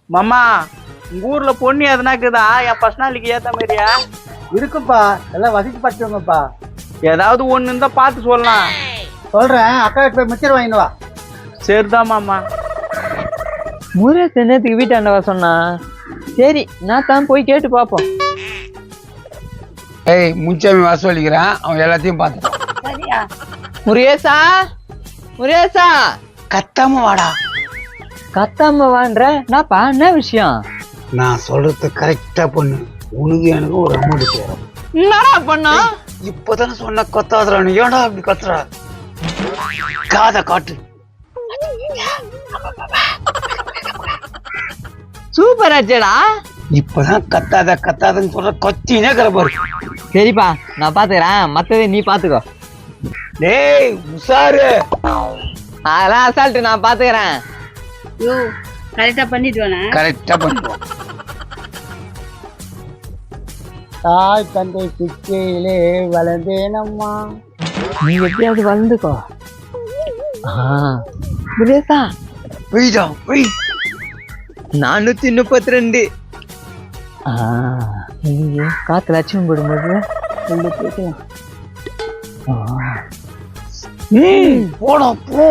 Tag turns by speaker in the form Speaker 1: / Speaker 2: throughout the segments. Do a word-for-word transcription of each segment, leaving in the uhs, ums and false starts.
Speaker 1: மாமா உங்க ஊர்ல பொண்ணு எதனாக்குதா என் பர்சனாலிட்டிக்கு ஏத்த மாதிரியா?
Speaker 2: இருக்குப்பா, எல்லாம் வசதி பட்டுங்கப்பா.
Speaker 1: ஏதாவது ஒண்ணு இருந்தா பார்த்து சொல்லலாம்.
Speaker 2: சொல்றேன், அக்கா போய் மிச்சர் வாங்கிட்டு வா.
Speaker 1: சரிதான் மாமா.
Speaker 3: முறை நேரத்துக்கு வீட்டாண்டவா சொன்னா சரி, நான் தான் போய் கேட்டு பார்ப்போம்.
Speaker 4: ஏய் முன்சாமி வாசலிக்கிறான், அவன் எல்லாத்தையும் பார்த்துட்டான்.
Speaker 5: சரியா?
Speaker 3: முருகேசா, முருகேசா,
Speaker 4: கத்தாம வாடா.
Speaker 3: கத்தாம வான்ற நாப்பா, என்ன விஷயம்?
Speaker 4: நான் சொல்றது கரெக்டா பண்ணு, உனக்கு எனக்கு ஒரு அமௌண்ட் தேரும்.
Speaker 3: என்னடா பண்ணா?
Speaker 4: இப்பதானே சொன்ன கத்தாதுடா, நீ ஏன்டா அப்படி கத்துற? காதை காட்டு.
Speaker 3: சூப்பர் ஆச்சேடா.
Speaker 4: இப்பதான் கத்தாத கத்தாதன்னு சொல்ற, கொத்தினே கிடப்பாரு.
Speaker 3: சரிப்பா, நான் பாத்துக்கிறேன், மத்ததை நீ பாத்துக்கோ.
Speaker 4: டேய் உசாரு,
Speaker 3: அதெல்லாம் அசால்ட்டு நான் பாத்துக்கிறேன்.
Speaker 5: யோ கரெக்டா பண்ணிட்டு வேணா?
Speaker 4: கரெக்டா பண்ணுவோம்.
Speaker 2: தாய் தந்தை சிக்கையிலே வளர்ந்தேனம்மா.
Speaker 3: நீ எப்படியாவது வளர்ந்துக்கோ. முருகேசா,
Speaker 4: போய்டா போய்.
Speaker 3: நானூத்தி முப்பத்தி ரெண்டு. காத்து லட்சம் போடும்போது ரெண்டு போய்க்கலாம்.
Speaker 4: போடா போ.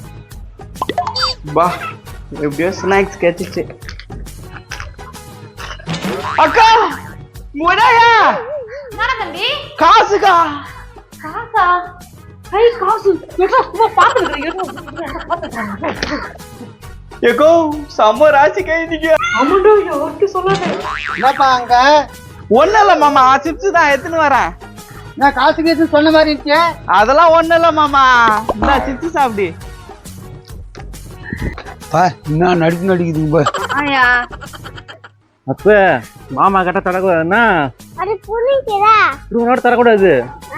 Speaker 1: பா எப்படியோ ஸ்நாக்ஸ் கிடைச்சிச்சு. அக்கா முறையா
Speaker 5: என்னடா தம்பி?
Speaker 1: காசுக்கா.
Speaker 5: காசா? ஐ காசு எட்ரா, சும்மா பாத்துக்கிறேன்.
Speaker 1: ஏகோ சம ராசி கைதிங்க.
Speaker 5: அம்மாடா, யாருக்கு சொல்லாத.
Speaker 2: என்னப்பா அங்க?
Speaker 1: ஒண்ணு இல்ல மாமா, சிப்ஸ் தான் எடுத்துன்னு வரேன்.
Speaker 2: நான் காசு கேட்டு சொன்ன மாதிரி இருந்துச்சு.
Speaker 1: அதெல்லாம் ஒண்ணு இல்ல மாமா, இந்த சிப்ஸ் சாப்பிடு.
Speaker 4: பா என்ன நடிப்பு நடிக்குதுங்க பா.
Speaker 5: ஆயா
Speaker 6: அப்ப மாமா கிட்ட தரக்கூடாதுன்னா
Speaker 5: அது புரியுதா?
Speaker 6: ரூனோட தரக்கூடாது.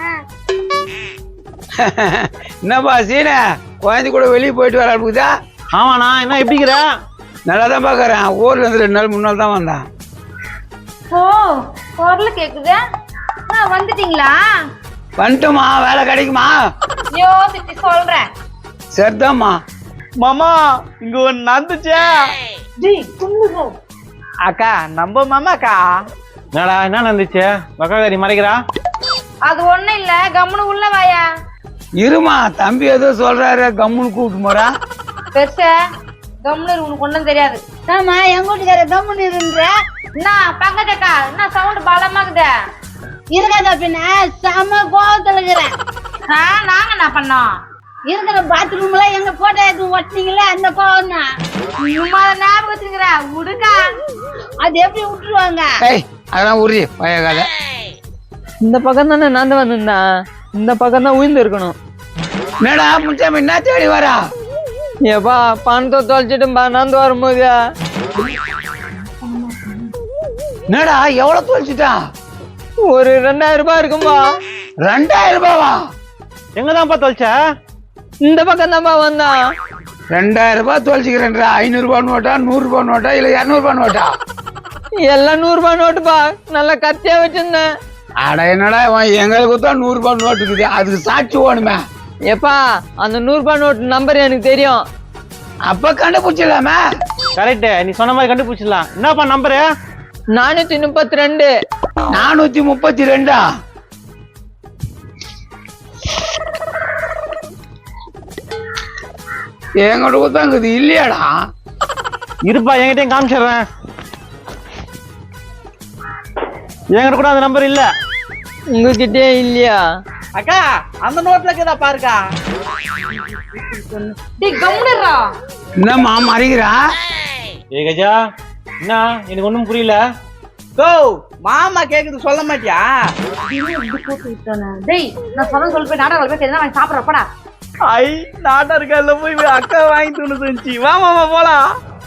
Speaker 4: என்னப்பா சீன, குழந்தை கூட வெளியே போயிட்டு வர இருக்குதா?
Speaker 6: ஆமாண்ணா, என்ன எப்படிங்கிற?
Speaker 4: நல்லா தான் பாக்குறேன். ஊர்ல இருந்து ரெண்டு நாள் மூணு நாள் தான் வந்தான்.
Speaker 5: ஓ குரல் கேக்குது. ஆ வந்துட்டீங்களா?
Speaker 4: வந்துட்டுமா, வேலை கிடைக்குமா?
Speaker 5: யோசிச்சு சொல்றேன்.
Speaker 4: சரிதாம்மா.
Speaker 1: மாமா இங்க ஒண்ணு நடந்துச்சே.
Speaker 5: டேய் கும்முகோ.
Speaker 1: அக்கா நம்ம மாமாக்கா.
Speaker 6: என்னடா என்ன நடந்துச்சு? வக்காரி மறைக்கிறா?
Speaker 5: அது ஒண்ணும் இல்ல, கம்முனு உள்ள வாயா.
Speaker 4: இருமா, தம்பி ஏதோ சொல்றாரு, கம்முன்னு கூப்பிட்டு போறா.
Speaker 5: பெருசா கம்முனு உனக்கு ஒண்ணும் தெரியாது. ஆமா எங்க வீட்டுக்கார கம்முனு இருன்ற. என்ன பங்கஜக்கா, என்ன சவுண்ட் பலமாக்குது? இருக்காத பின்ன செம கோவத்துல இருக்கிறேன். நாங்க என்ன பண்ணோம்? இருக்கிற பாத்ரூம்ல எங்க போட்டோ எடுத்து ஒட்டினீங்களே, அந்த கோவம் தான். சும்மா ஞாபகத்துக்குற விடுக்கா. அது எப்படி விட்டுருவாங்க?
Speaker 4: ஏய் அதெல்லாம் உரி பழைய கதை.
Speaker 3: இந்த பக்கம் தானே நான் தான் வந்திருந்தேன், இந்த பக்கம் தான் உயிர்ந்து இருக்கணும்.
Speaker 4: என்னடா முன்சாமி என்ன தேடி வரா?
Speaker 3: ஏப்பா பணத்தை தொலைச்சிட்டும்பா நான் வரும்போது.
Speaker 4: என்னடா எவ்வளவு தொலைச்சிட்டா?
Speaker 3: ஒரு ரெண்டாயிரம் ரூபாய் இருக்கும்பா.
Speaker 4: ரெண்டாயிரம் ரூபாவா?
Speaker 6: எங்கதான்ப்பா தொலைச்ச?
Speaker 3: இந்த பக்கம் தான்ப்பா வந்தான்.
Speaker 4: ரெண்டாயிரம் ரூபாய் தொலைச்சிக்கிறேன்றா. ஐநூறு ரூபாய் நோட்டா, நூறு ரூபாய் நோட்டா, இல்ல இருநூறு ரூபாய் நோட்டா?
Speaker 3: எல்லாம் நூறு ரூபாய் நோட்டுப்பா, நல்லா கத்தியா வச்சிருந்தேன்.
Speaker 4: அட என்னடா எங்களுக்கு தான் நூறு ரூபாய் நோட்டு இருக்குது, அதுக்கு சாட்சி ஓணுமே.
Speaker 3: ஏப்பா அந்த நூறு ரூபாய் நோட்டு நம்பர் எனக்கு தெரியும்.
Speaker 4: அப்ப கண்டுபிடிச்சலாமே.
Speaker 6: கரெக்ட், நீ சொன்ன மாதிரி கண்டுபிடிச்சிடலாம். என்னப்பா நம்பரு?
Speaker 3: நானூத்தி முப்பத்தி ரெண்டு.
Speaker 4: நானூத்தி முப்பத்தி ரெண்டா? எங்கள்கிட்ட தான் இருக்குது இல்லையாடா?
Speaker 6: இருப்பா, என்கிட்டயும் காமிச்சிடுறேன். என்கிட்ட கூட அந்த நம்பர் இல்ல.
Speaker 3: உங்ககிட்டே இல்லையா?
Speaker 1: அக்கா அந்த நோட்ல இருக்குதா பாருக்கா.
Speaker 5: டேய் கம்முனுடா.
Speaker 4: என்னம்மா மறைக்கிறா?
Speaker 6: ஏ கஜா, என்ன எனக்கு ஒண்ணும் புரியல.
Speaker 1: கோ மாமா கேக்குது சொல்ல மாட்டியா?
Speaker 5: டேய் நான் சொல்ல சொல்ல போய் நாடகம் போய் தெரிஞ்சா வாங்கி சாப்பிட்றப்படா.
Speaker 1: ஐ நாட்டா இருக்கல போய் அக்கா வாங்கி தூணு செஞ்சு வா மாமா போலாம்.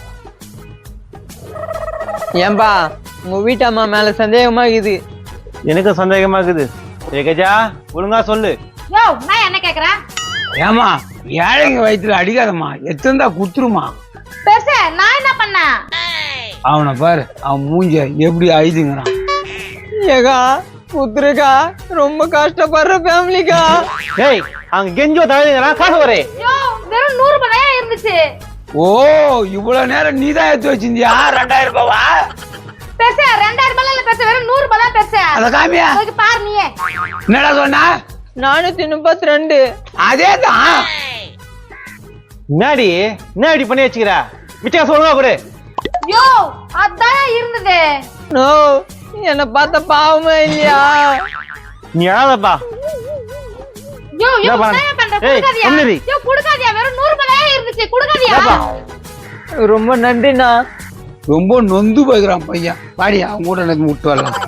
Speaker 3: ஏன்பா உங்க வீட்டம்மா மேல சந்தேகமா இருக்குது.
Speaker 6: எனக்கு சந்தேகமா இருக்குது. ஏ கஜா ஒழுங்கா சொல்லு.
Speaker 5: யோ நான் என்ன கேக்குறேன்?
Speaker 4: ஏமா ஏழைங்க வயிற்றுல அடிக்காதம்மா, எத்தந்தா குத்துருமா.
Speaker 5: பெருசே நான் என்ன பண்ணேன்?
Speaker 4: அவனை பாரு, அவன் மூஞ்ச எப்படி ஆயுதுங்கிறான்.
Speaker 3: ஏகா புத்திருக்கா, ரொம்ப கஷ்டப்படுற ஃபேமிலிக்கா.
Speaker 6: ஏய் அங்க கெஞ்சோ தவிர காசு வரே.
Speaker 5: யோ வெறும் நூறு ரூபாயா இருந்துச்சு.
Speaker 4: ஓ இவ்வளவு நேரம் நீ தான் எடுத்து வச்சிருந்தியா ரெண்டாயிரம் ரூபாவா
Speaker 5: பெருசு ரெண்டாயிரம் ரூபாய் இல்ல பெருசு வெறும் நூறு ரூபாய் தான் பெருசு
Speaker 4: அத காமியா
Speaker 5: போய் பாரு நீயே
Speaker 4: என்னடா சொன்னா
Speaker 3: நானூத்தி முப்பத்தி ரெண்டு
Speaker 4: அதேதான்
Speaker 6: என்னடி என்ன இப்படி பண்ணி வச்சுக்கிற மிச்சம் சொல்லுவா கூட
Speaker 5: யோ அதான் இருந்தது
Speaker 3: நோ என்ன பார்த்த பாவமே இல்லையா
Speaker 6: நீ அழாதப்பா
Speaker 5: யோ யோ
Speaker 6: என்ன பண்ண?
Speaker 5: என்ன பண்ற
Speaker 6: ஏய்,
Speaker 5: குடுக்காதியா
Speaker 6: என்னடி?
Speaker 5: யோ குடுக்காதியா வெறும் நூறு ரூபாய் தான் இருந்துச்சு குடுக்காதியா
Speaker 3: ரொம்ப நன்றிண்ணா
Speaker 4: ரொம்ப நொந்து போய்க்கிறான் பையன் பாடி அவங்க கூட எனக்கு விட்டு வரலாம்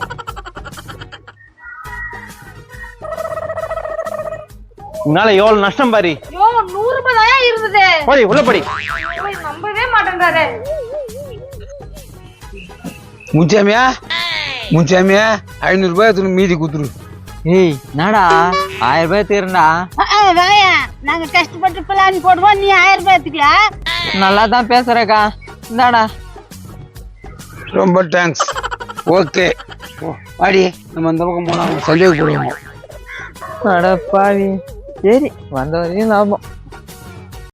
Speaker 6: உன்னால எவ்வளவு நஷ்டம் பாரு
Speaker 5: யோ நூறு ரூபாய் தான் இருந்தது
Speaker 6: படி உள்ள படி
Speaker 5: போய் நம்பவே மாட்டேன்றாரு
Speaker 4: முன்சாமியா முன்சாமியா ஐநூறு ரூபாய் எடுத்துன்னு மீதி குத்துரு
Speaker 3: ஏய் நாடா ஆயிரம் ரூபாய் தீரண்டா
Speaker 5: வாயா நாங்க கஷ்டப்பட்டு பிளான் போடுவோம் நீ ஆயிரம் ரூபாய் எடுத்துக்கலாம்
Speaker 3: நல்லா தான் பேசுறக்கா இந்தாடா
Speaker 4: ரொம்ப தேங்க்ஸ் ஓகே பாடி நம்ம அந்த பக்கம் போனா சந்தேகப்படுவோம்
Speaker 3: அட பாவி சரி வந்த வரையும் லாபம்